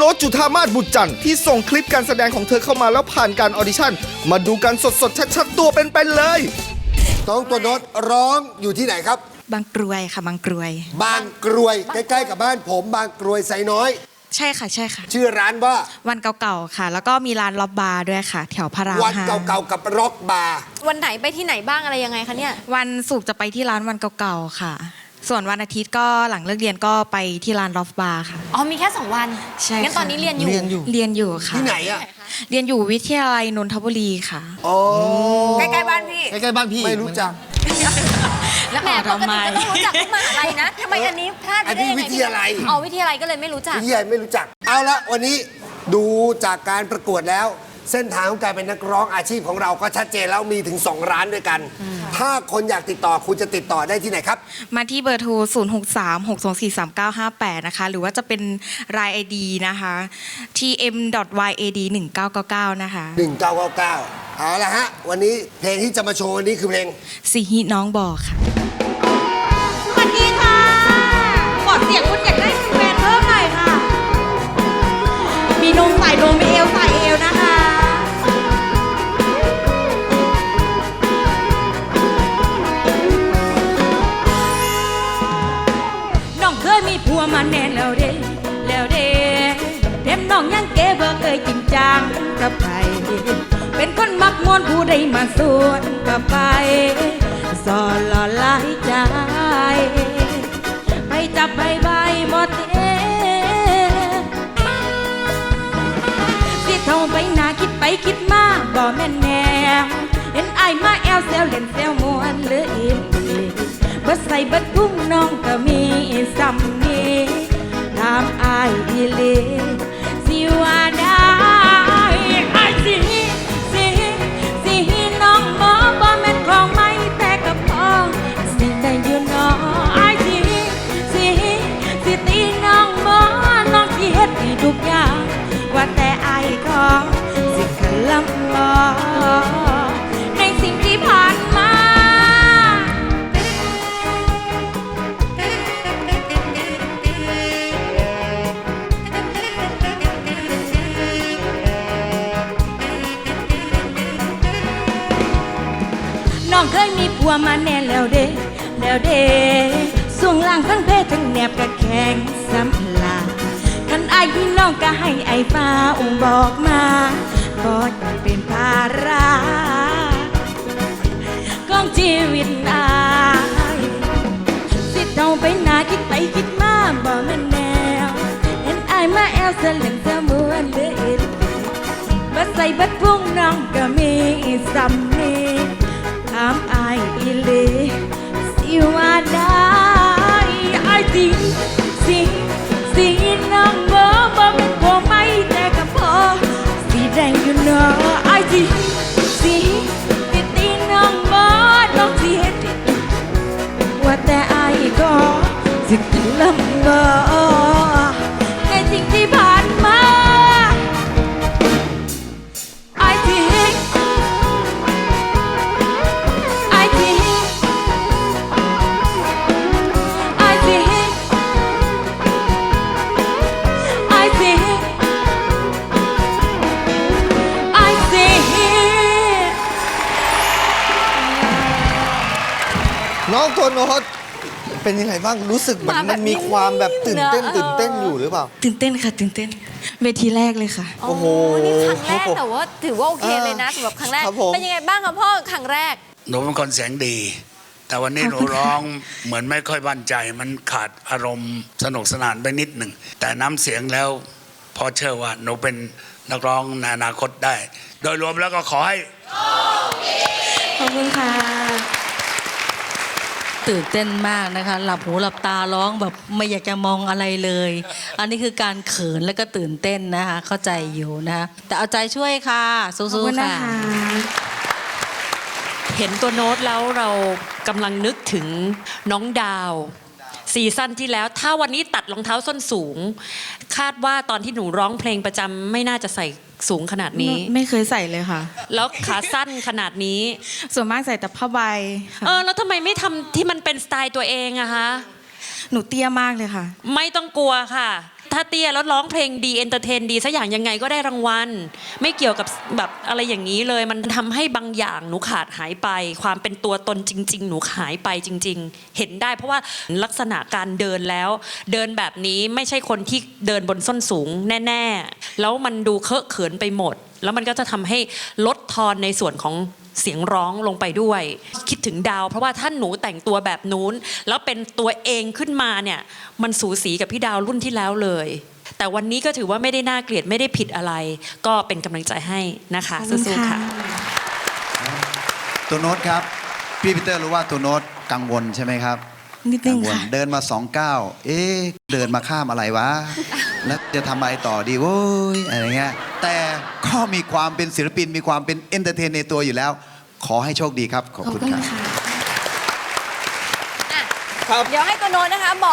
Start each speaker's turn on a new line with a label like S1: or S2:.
S1: โน้ตจุฑามาศบุตรจันทร์ที่ส่งคลิปการแสดงของเธอเข้ามาแล้วผ่านการออดิชั่นมาดูกันสดๆชัดๆตัวเป็นๆเลย
S2: น้องตัวโน้ตร้องอยู่ที่ไหนครับ
S3: บางกรวยค่ะบางกรวย
S2: บางกรวยใกล้ๆกับบ้านผมบางกรวยไซน้อย
S3: ใช่ค่ะใช่ค่ะ
S2: ชื่อร้านว่า
S3: วันเก่าๆค่ะแล้วก็มีร้านล็อบบาร์ด้วยค่ะแถวพระราม
S2: วันเก่าๆกับร็อกบาร์
S4: วันไหนไปที่ไหนบ้างอะไรยังไงคะเนี่ย
S3: วันศุกร์จะไปที่ร้านวันเก่าๆค่ะส่วนวันอาทิตย์ก็หลังเลิกเรียนก็ไปที่ร้านล็อบบาร์ค่ะ
S4: อ๋อมีแค่2 วัน
S3: ใช่
S4: งั้นตอนนี้เรียนอยู่
S3: ค่ะ
S2: ที่ไหนอะ
S3: เรียนอยู่วิทยาลัยนนทบุรีค่ะ
S2: อ๋อ
S4: ใกล้ๆบ้านพี่
S2: ใกล้ๆบ้านพี่ไม่รู้จัก
S4: แล้วแหมปกติก็ต้องรู้จักทุกมหาลัยนะทำไมอันนี้พลาดไปได้ยังไง
S2: วิทยาลัย
S4: อ๋อวิทยาลัยก็เลยไม่รู้จัก
S2: วิทยาลัยไม่รู้จักเอาละวันนี้ดูจากการประกวดแล้วเส้นทางของการเป็นนักร้องอาชีพของเราก็ชัดเจนแล้วมีถึง2ร้านด้วยกันถ้าคนอยากติดต่อคุณจะติดต่อได้ที่ไหนครับ
S3: มาที่เบอร์โทร 0636243958 นะคะหรือว่าจะเป็นราย ID นะคะ tm.yad1999 นะคะ
S2: 1999เอาละฮะวันนี้เพลงที่จะมาโชว์วันนี้คือเพลง
S3: สิฮิน้องบอกค่ะ
S4: สวัสดีค่ะขอเสียงคุณอยากได้แฟนเพิ่มหน่อยค่ะมีนมใส่นมมีเอวใส่เอวนะคะ
S5: น้องเคยมีผัวมาแน่แล้วเด้เด็มน้องยังเก๋บ่เคยจริงจังกับใครเป็นคนมักมวนผู้ใดมาสวนกับไปสอนหล่อหลายใจไปจับใบหมดสิเท่าไปหน้าคิดไปคิดมาบ่แม่นแนวเห็นอายมาแอวเซลเล่นเซลมวนหรืออีบ่ใส่เบิดพุ่งน้องก็มีซ้ำนี้ถามอายอีหลีสิว่าได้อายสิน้องหมอบ่แม่นของไม่แต่กับพ่อสิได้อยู่น้ออายสิตีน้องหมอน้องสิเฮ็ดให้ทุกอย่างว่าแต่อายก็สิขลำบ่ในสิ่งที่ผ่านมาน้องเคยมีผัวมาแน่แล้วเด้ส่วงล่างทั้งเพศทั้งแนบกะแข็งสัมลาคันอายพี่น้องก็ให้ไอ้ฟ้าบอกมาก็จะเป็นภาระของชีวิตอายสิเท่าไปหน้าคิดไปคิดมาบ่แม่นแนวเห็นอายมาแอวเสล่นเสมวนเหลืออีกบัดใส่บัดพุ่งน้องก็มีซ้ำนี้ถามอายอีหลีสิว่าได้อายสิน้องบ่เป็นผัวไม่แต่กับพ่อสิแดงอยู่เนาะอายสิตีน้องบ่น้องสิเฮ็ดว่าแต่อายก็สิกินลำบ่ในสิ่งที่ผ่านมา
S1: น้องตัวโน้ตเป็นยังไงบ้างรู้สึกเหมือนมันมีความแบบตื่นเต้นอยู่หรือเปล่า
S3: ตื่นเต้นค่ะตื่นเต้นเวทีแรกเลยค่ะ
S1: โอ้โห
S4: นี่ครั้งแรกแต่ว่าถือว่าโอเคเลยนะสำหรับครั้งแรกเป็นยังไงบ้างคะพ่อครั้งแรก
S6: หนูเป็นคนเสียงดีแต่วันนี้หนูร้องเหมือนไม่ค่อยมั่นใจมันขาดอารมณ์สนุกสนานไปนิดหนึ่งแต่น้ำเสียงแล้วพอเชื่อว่าหนูเป็นนักร้องในอนาคตได้โดยรวมแล้วก็ขอให้
S3: ขอบคุณค่ะ
S5: ตื่นเต้นมากนะคะหลับหูหลับตาร้องแบบไม่อยากจะมองอะไรเลยอันนี้คือการเขินและก็ตื่นเต้นนะคะเข้าใจอยู่นะคะแต่เอาใจช่วยค่ะสู้ๆค่ะ
S7: เห็นตัวโน้ตแล้วเรากำลังนึกถึงน้องดาวซีซั่นที่แล้วถ้าวันนี้ตัดรองเท้าส้นสูงคาดว่าตอนที่หนูร้องเพลงประจำไม่น่าจะใส่สูงขนาดนี้
S3: ไม่เคยใส่เลยค่ะ
S7: แล้วขาสั้นขนาดนี้
S3: ส่วนมากใส่แต่ผ้าใบ
S7: แล้วทำไมไม่ทำที่มันเป็นสไตล์ตัวเองอะคะ
S3: หนูเตี้ยมากเลยค่ะ
S7: ไม่ต้องกลัวค่ะถ้าเตี้ยแล้วร้องเพลงดีเอนเตอร์เทนดีสักอย่างยังไงก็ได้รางวัล ไม่เกี่ยวกับแบบอะไรอย่างนี้เลย มันทำให้บางอย่างหนูขาดหายไป ความเป็นตัวตนจริง ๆ หนูหายไปจริง ๆ เห็นได้เพราะว่าลักษณะการเดินแล้ว เดินแบบนี้ไม่ใช่คนที่เดินบนส้นสูงแน่ๆแล้วมันดูเคอะเขินไปหมด แล้วมันก็จะทำให้ลดทอนในส่วนของเสียงร้องลงไปด้วย คิดถึงดาว เพราะว่าถ้าหนูแต่งตัวแบบนู้นแล้วเป็นตัวเองขึ้นมาเนี่ยมันสูสีกับพี่ดาวรุ่นที่แล้วเลย แต่วันนี้ก็ถือว่าไม่ได้น่าเกลียดไม่ได้ผิดอะไร ก็เป็นกำลังใจให้นะคะสู้ๆค่ะ
S8: ตัวโน้ตครับพี่ปีเตอร์รู้ว่าตัวโน้ตกังวลใช่ไหมครับ
S3: นิดนึง
S8: กัวล
S3: ค่ะ
S8: เดินมา2 ก้าวเดินมาข้ามอะไรวะ แล้วจะทำอะไรต่อดีโว้ยอะไรเงี้ยแต่ก็มีความเป็นศิลปินมีความเป็นเอนเตอร์เทนในตัวอยู่แล้ว ขอให้โชคดีครับ ขอบคุณครับ
S9: เดี๋ยวให้ตัวโน้ตนะคะบอก